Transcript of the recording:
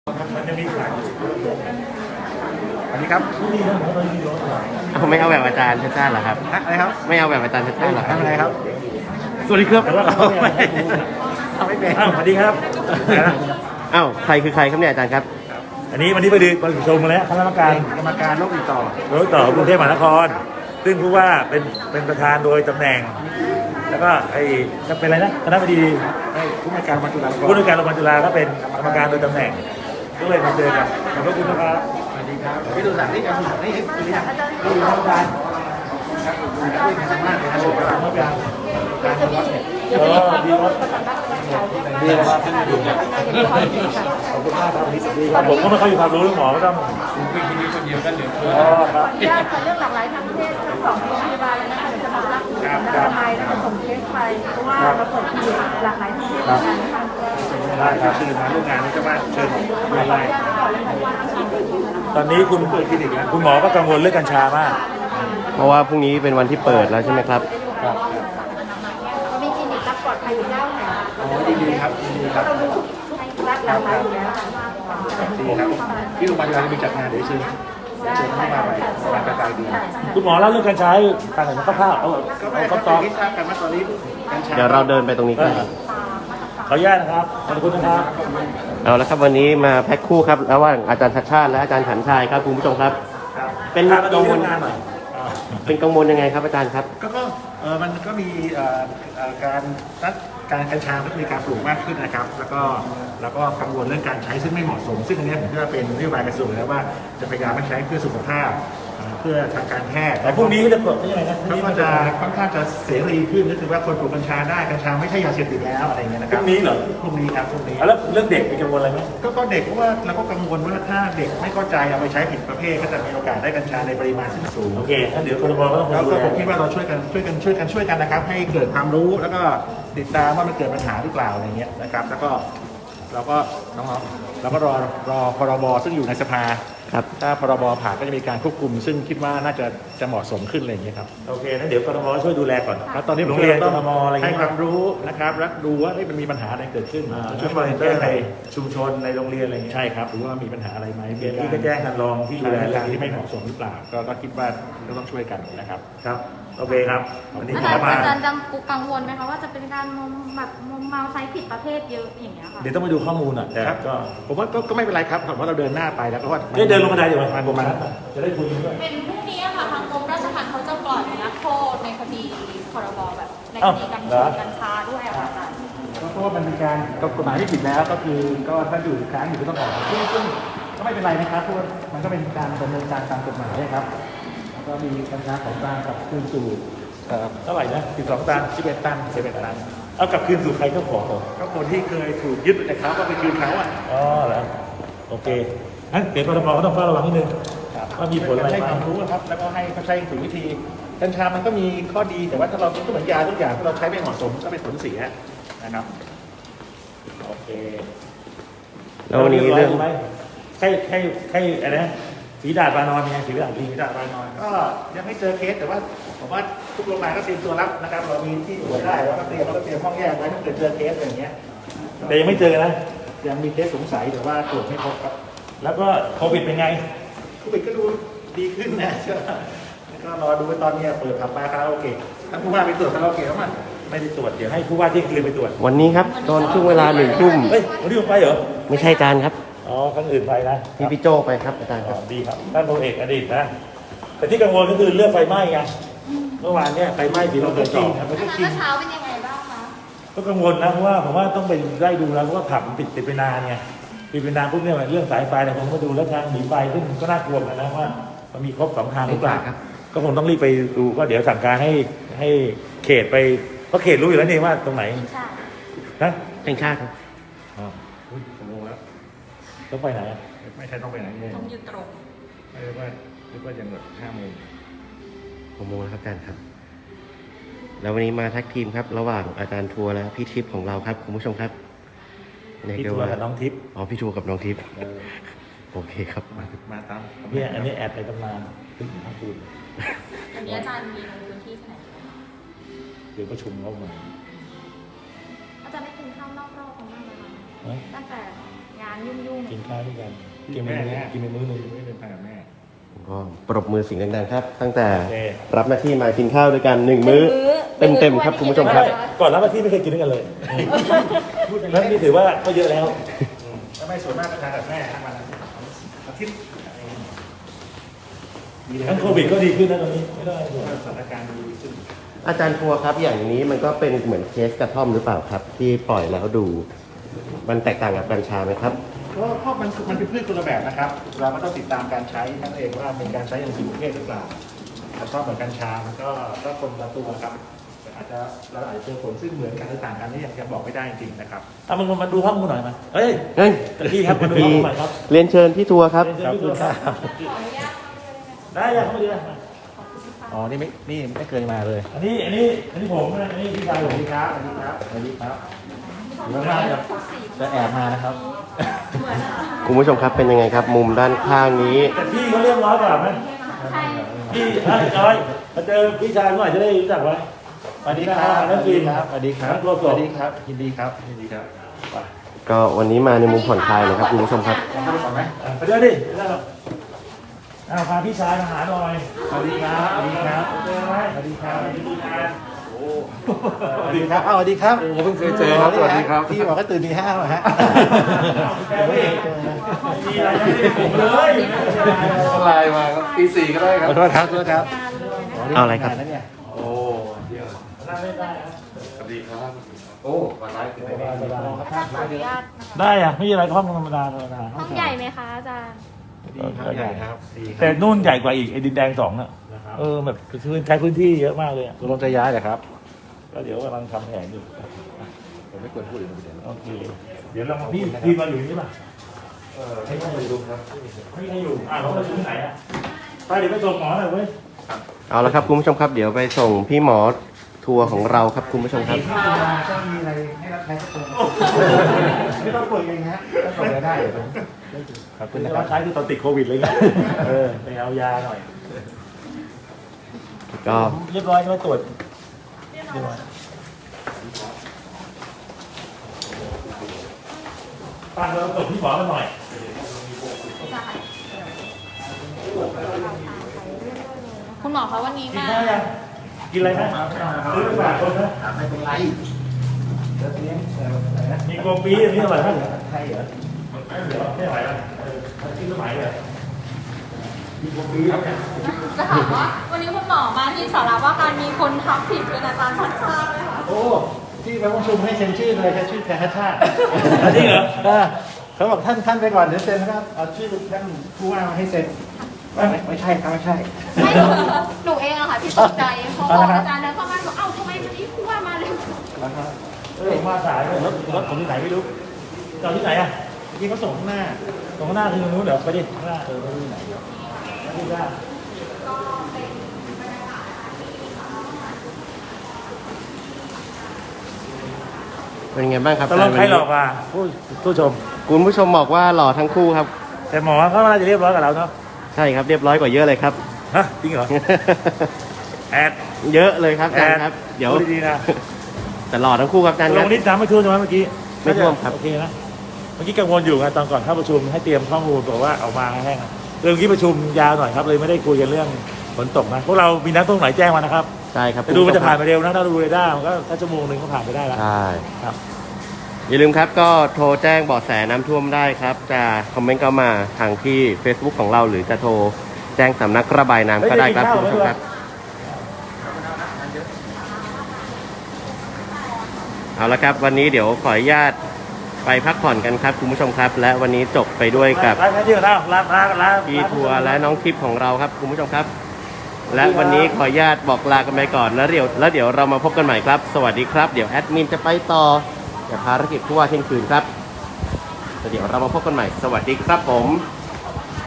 มันจะมีขายอันนี้ครับไม่เอาแบบอาจารย์ชาติชาติเหรอครับอะไรครับไม่เอาแบบอาจารย์ชาติชาติเหรอครับอะไรครับสวัสดีครับแต่ว่าเราไม่เป็นสวัสดีครับอ้าวใครคือใครครับเนี่ยอาจารย์ครับอันนี้วันนี้ไปดูประชุมมาแล้วคณะกรรมการโรคติดต่อกรุงเทพมหานครซึ่งผู้ว่าเป็นประธานโดยตำแหน่งแล้วก็ไอ้จะเป็นอะไรนะคณะบดีผู้ในการโรงพยาบาลจุฬาผู้ในการโรงพยาบาลจุฬาก็เป็นกรรมการโดยตำแหน่งก็เลยมาเจอกันขอบคุณนะครับสวัสดีครับพี่ดูสารนี่การดูสารนี่ดูยังดูอาจารย์ครับดูดีมากเลยครับอาจารย์การวัดเนี่ยดีครับดีครับขอบคุณมากครับดีครับผมก็ไม่ค่อยมีความรู้เรื่องหมอก็ต้องเป็นที่นี่คนเดียวกันเดี๋ยวครับญาติเรื่องหลากหลายทางเพศทั้งสองโรงพยาบาลเลยนะคะเดี๋ยวจะมารับทำไมแล้วก็ส่งเคสไปเพราะว่าเราเปิดคลินิกหลากหลายทางเพศกันนะคะได้ครับตื่นมาร่วมงานนี้ก็มาเชิญอะไรตอนนี้คุณเปิดคลินิกแล้วคุณหมอก็กังวลเรื่องกัญชามากเพราะว่าพรุ่งนี้เป็นวันที่เปิดแล้วใช่ไหมครับมีคลินิกรับปลอดภัยอยู่9แห่งดีครับดีครับเราดูทุกรัฐหลากหลายอยู่แล้วดีครับที่โรงพยาบาลจะมีจัดงานเดี๋ยวเชิญเข้ามาไปงานกระจายดีคุณหมอเล่าเรื่องกัญชาการแต่งคร่าวๆเอาก็ตอนนี้ทราบกันว่าตอนนี้กัญชาเดี๋ยวเราเดินไปตรงนี้กันขออนุญาตนะครับขอบคุณนะครับเอาละครับวันนี้มาแพ็คคู่ครับระหว่างอาจารย์ชัดชาติและอาจารย์ขันชัยครับคุณผู้ชมครับเป็นกังวลเป็นกังวลยังไงครับอาจารย์ครับก็มันก็มีการกัญชาก็มีการปลูกมากขึ้นนะครับแล้วก็กังวลเรื่องการใช้ซึ่งไม่เหมาะสมซึ่งอันนี้ผมคิดว่าเป็นนโยบายกระทรวงแล้วว่าจะพยายามไม่ใช้เพื่อสุขภาพเพื่อทางการแพทย์แต่พวกนี้จะเปิดยังไงนะเขาก็จะค่อนข้างจะเสรีขึ้นก็คือว่าคนปลูกกัญชาได้กัญชาไม่ใช่ยาเสพติดแล้วอะไรเงี้ยนะครับพวกนี้เหรอพวกนี้ครับพวกนี้แล้วเรื่องเด็กมีกังวลอะไรไหมก็เด็กเพราะว่าเราก็กังวลว่าถ้าเด็กไม่เข้าใจเอาไปใช้ผิดประเภทก็จะมีโอกาสได้กัญชาในปริมาณที่สูงโอเคถ้าเดี๋ยวครม.ก็ต้องแล้วก็ผมคิดว่าเราช่วยกันนะครับให้เกิดความรู้แล้วก็ติดตามว่ามันเกิดปัญหาหรือเปล่าอะไรเงี้ยนะครับแล้วก็เราก็น้องๆเราก็รอพรบซึ่งอยู่ในสภาครับถ้าพรบผ่านก็จะมีการควบคุมซึ่งคิดว่าน่าจะเหมาะสมขึ้นอะไรอย่างเงี้ยครับโอเคงั้นเดี๋ยวกรม.ช่วยดูแลก่อนแล้วตอนนี้โรงเรียนกรม.อะไรให้ความรู้นะครับแล้วดูว่ามันมีปัญหาอะไรเกิดขึ้นช่วยมอนิเตอร์ในชุมชนในโรงเรียนอะไรอย่างเงี้ยใช่ครับหรือว่ามีปัญหาอะไรไหมที่ก็แจ้งกันรองที่ดูแลการที่ไม่เหมาะสมหรือเปล่าก็คิดว่าก็ต้องช่วยกันนะครับครับโอเคครับวันนี้อาจารย์กังวลไหมคะว่าจะเป็นการมุมเมาใช้ผิดประเภทเยอะอย่างเงี้ยค่ะเดี๋ยวต้องไปดูข้อมูลอ่ะแต่ก็ผมว่าก็ไม่เป็นไรครับผมว่าเราเดินหน้าไปแล้วก็ว่าเดินลงบันไดอยู่ประมาณจะได้คุยด้วยเป็นพรุ่งนี้ค่ะทางกรมราชทัณฑ์เขาจะปล่อยนักโทษในคดีพรบแบบในคดีกัญชาด้วยค่ะอาจารย์เพราะว่ามันเป็นการกฎหมายที่ผิดแล้วก็คือก็ถ้าอยู่ค้างอยู่ก็ต้องออกซึ่งก็ไม่เป็นไรนะครับเพราะว่ามันก็เป็นการดำเนินการตามกฎหมายครับแล้วก็มีกัญชาของกลางกับคืนสู่เท่าไหร่นะ12 ตัน 11 ตันเอากลับคืนสู่ใครเจ้าของก็คนที่เคยถูกยึดแต่เขาก็ไปคืนเขาอ่ะอ๋อเหรอโอเคงั้นเดี๋ยวกรม.ก็ต้องเฝ้าระวังนิดนึงว่ามีผลอะไรให้ความรู้นะครับแล้วก็ให้เขาใช้ถูกวิธีกัญชามันก็มีข้อดีแต่ว่าถ้าเราก็เหมือนยาทุกอย่างถ้าเราใช้ไม่เหมาะสมก็เป็นผลเสียนะครับโอเคแล้ววันนี้เรื่องใช่อะไรนะฝีดาดวานอนไงฝีดาดวานอนก็ยังไม่เจอเคสแต่ว่าผมว่าทุกโรงพยาบาลก็เตรียมตัวรับนะครับเรามีที่ตรวจได้แล้วก็เตรียมห้องแยกไว้ถ้าเกิดเจอเคสอย่างเงี้ยแต่ยังไม่เจอนะยังมีเคสสงสัยแต่ว่าตรวจไม่พบครับแล้วก็โควิดเป็นไงโควิดก็ดูดีขึ้นนะก็รอดูตอนนี้เปิดผับบาร์คาราโอเกะถ้าผู้ว่าไปตรวจคาราโอเกะแล้วมันไม่ได้ตรวจเดี๋ยวให้ผู้ว่าที่คืนไปตรวจวันนี้ครับตอนช่วงเวลา1 ทุ่มวันนี้ผมไปเหรอไม่ใช่อาจารย์ครับอ๋อครั้งอื่นไปนะพี่โจไปครับอาจารย์ครับดีครับท่านพลเอกอดีตนะแต่ที่กังวลก็คือเรื่องไฟไหม้ไงเมื่อวานเนี่ยไฟไหม้ที่เราเกิดจริงเมื่อเช้าเป็นยังไงบ้างคะก็กังวลนะเพราะว่าผมว่าต้องไปไล่ดูแล้วเพราะว่าผับมันปิดไปนานไงปิดไปนานพวกเนี่ยเรื่องสายไฟเนี่ยผมก็ดูแล้วทางหนีไฟซึ่งก็น่ากลัวเหมือนกันนะว่ามันมีครบ2 ทางหรือเปล่าก็คงต้องรีบไปดูก็เดี๋ยวสั่งการให้เขตไปเพราะเขตรู้อยู่แล้วนี่ว่าตรงไหนนะแห่งชาติครับอ๋อผมงงแล้วต้องไปไหนไม่ใช่ต้องไปไหนต้องยืนตรงไม่รู้ว่ายังแบบ5 โมง 6 โมงแล้วครับอาจารย์ครับแล้ววันนี้มาแท็กทีมครับระหว่างอาจารย์ทัวร์และพี่ทิพย์ของเราครับคุณผู้ชมครับพี่ทัวร์กับน้องทิพย์พี่ทัวร์กับน้องทิพย์โอเคครับมาตามเนี่ยอันนี้แอดไปตำนานถึงทั้งคืนอันนี้อาจารย์มีลงพื้นที่ที่ไหนเดี๋ยวประชุมเข้ามาอาจารย์ได้กินข้าวนอกรอบของบ้านไหมคะตั้งแต่งงานยุ่งๆกินข้าวด้วยกันกินเป็นมื้อหนึ่งไม่เป็นทางกับแม่ก็ปรบมือเสิ่งดังๆครับ ตั้งแต่โอเครับหน้าที่มากินข้าวด้วยกัน1 มื้อเต็มๆครับคุณผู้ชมครับก่อนรับหน้าที่ไม่เคยกินด้วยกันเลยนั้นนี่ถือว่าก็เยอะแล้วถ้าไม่ส่วนมากก็ทานกับแม่ทั้งวันอาทิตย์ดีเลยทั้งโควิดก็ดีขึ้นนะตอนนี้ไม่ได้ห่วงสถานการณ์ดีขึ้นอาจารย์ทัวร์ครับอย่างนี้มันก็เป็นเหมือนเคสกระท่อมหรือเปล่าครับ ที่ปล่อยแล้วดู มันแตกต่างกับกัญชาไหมครับเพราะมันเป็นพืชคนละแบบนะครับ เราก็ต้องติดตามการใช้นั่นเองว่าเป็นการใช้อย่างถูกประเภทหรือเปล่าแต่ชอบเหมือนกัญชามันก็คนละตัวครับอาจจะเราอาจจะเจอผลซึ่งเหมือนกันหรือต่างกันนี่ยังบอกไม่ได้จริงๆนะครับเอามึงมาดูข้อมูลหน่อยมาเฮ้ยเฮ้ยพี่ครับมาดูข้อมูลหน่อยครับเรียนเชิญพี่ทัวร์ครับขอบคุณครับได้ยังเข้ามาดูนะอ๋อ นี่ไม่เคยมาเลยอันนี้ผมนะอันนี้พี่ชายสผวัสมดีครับสวัสดีครับสวัสดีครับอยู่ข้างๆจะแอบมานะครับคุณผู้ชมครับเป็นยังไงครับ มุมด้านข้างนี้แต่พี่เขาเรียบร้อยกว่าไหมพี่จอยมาเจอพี่ชายเมื่อไหร่จะได้รู้จักไว้สวัสดีครับนักบินสวัสดีครับนักโลกสวัสดีครับยินดีครับยินดีครับไปก็วันนี้มาในมุมผ่อนคลายนะครับคุณผู้ชมครับลองเข้าไปก่อนไหมไปเดี๋ยวดิพาพี่ชายมาหาหน่อยสวัสดีครับสวัสดีครับเจอไหมสวัสดีครับสวัสดีครับสวัสดีครับโอ้เพิ่งเคยเจอครับสวัสดีครับพี่บอกก็ตื่นตี 5มาฮะมีอะไรไม่ได้ผมเลยไลน์มาครับตี 4ก็ได้ครับขอโทษครับขอโทษครับเอาอะไรครับนเนี่ยโอ้เดี๋ยวนั่งเล่นได้นะสวัสดีครับโอ้วันไลฟ์เป็นไงอาจารย์ขออนุญาตนะคะได้อะไม่มีอะไรห้องธรรมดาห้องใหญ่ไหมคะอาจารย์ดีครับใหญ่ครับดีคแต่รับนู่นใหญ่กว่าอีกไอ้ดินแดง2อ่ะแบบใช้พื้นที่เยอะมากเลยอ่ะตกลงจะย้ายเหรอครับก็เดี๋ยวกำลังทำแผนอยู่ผมไม่ควรพูดอีกประเด็นโอเคเดี๋ยวเรามาพี่มาอยู่นี่ป่ะให้ท่านไปดูครับไม่ได้อยู่เขามาอยู่ที่ไหนอ่ะไปเดี๋ยวไปส่งหมอหน่อยเว้ยเอาละครับคุณผู้ชมครับ เดี๋ยวไปส่งพี่หมอทัวร์ของเราครับคุณผู้ชมครับถ้ามีอะไรให้รับใช้สักคนไม่ต้องป่วยเองฮะถ้าส่งรายได้เดี๋ยวผมขอบคุณนะคเรารับใช้คือตอนติดโควิดเลยไงไปเอายาหน่อยก็เรียบร้อยใช่ไหมตรวจเรียบร้อยป้าเราตรวจพี่หมอกันหน่อยคุณหมอคะวันนี้กินมาข้าวยังกินอะไรไหมซื้อไปฝากคนนะไม่เป็นไรแล้วเลี้ยงอะไรนะมีโกปีอันนี้อร่อยไหมใช่เหรอเดี๋ยวไม่ไหวแล้วกินสมัยเลยมีพวกนี้ครับเนี่ยจะถามว่าวันนี้คุณหมอมาที่สาระว่าการมีคนทักผิดเป็นอาจารย์ชัดชาติเลยค่ะโอ้ที่ไปประชุมให้เซ็นชื่อเลยแค่ชื่อแทนชาติจริงเหรอเขาบอกท่านไปก่อนเดี๋ยวเซ็นนะครับเอาชื่อท่านผู้ว่ามาให้เซ็นไม่ใช่ครับไม่ใช่ไม่หนูเองอะค่ะที่ตกใจเพราะว่าอาจารย์เดินเข้ามาบอกเอ้าทำไมวันนี้ผู้ว่ามาเร็วผมมาสายเลยรถผมที่ไหนไม่รู้จอดที่ไหนอ่ะที่เขาส่งข้างหน้าตรงข้างหน้าคือตรงนู้นเดี๋ยวไปดิข้างหน้าไม่รู้ไหนไม่รู้ได้เป็นไงบ้างครับตกลงใครหลอกอ่ะผู้ชมคุณผู้ชมบอกว่าหล่อทั้งคู่ครับแต่หมอเขาน่าจะเรียบร้อยกับเราเนาะใช่ครับเรียบร้อยกว่าเยอะเลยครับฮะจริงเหรอแอดเยอะเลยครับอาแอจารดย์ครับ เดี๋ยวดีๆนะแต่หล่อทั้งคู่ครับอาจารย์ลครังบนิดน้ำไม่ท่วมใช่ไหมเมื่อกี้ไม่ท่วมครับโอเคนะเมื่อกี้กังวลอยู่ไงตอนก่อนเข้าประชุมให้เตรียมข้อมูลบอกว่าออกมาแห้งเรื่องที่ประชุมยาวหน่อยครับเลยไม่ได้คุยกันเรื่องฝนตกนะพวกเรามีนักท่องไหนแจ้งมานะครับใช่ครับแต่ดูมันจะผ่านไปเร็วนะถ้าดูเรดาร์มันก็ถ้าชั่วโมงหนึ่งก็ผ่านไปได้แล้วใช่ครับอย่าลืมครับก็โทรแจ้งเบาะแสน้ำท่วมได้ครับ จะคอมเมนต์เข้ามาทางที่ Facebook ของเราหรือจะโทรแจ้งสำนักระบายน้ำก็ได้ครับคุณผู้ชมครับ เอาละครับวันนี้เดี๋ยวขออนุญาตไปพักผ่อนกันครับคุณผู้ชมครับ และวันนี้จบไปด้วยกับร้านที่เราลาพี่ทัวร์และน้องทิพย์ของเราครับคุณผู้ชมครับ และวันนี้ขออนุญาตบอกลากันไปก่อนแล้วเดี๋ยวเรามาพบกันใหม่ครับ สวัสดีครับเดี๋ยวแอดมินจะไปต่อกับภารกิจผู้ว่าเที่ยงคืนครับแล้วเดี๋ยวเรามาพบกันใหม่สวัสดีครับผม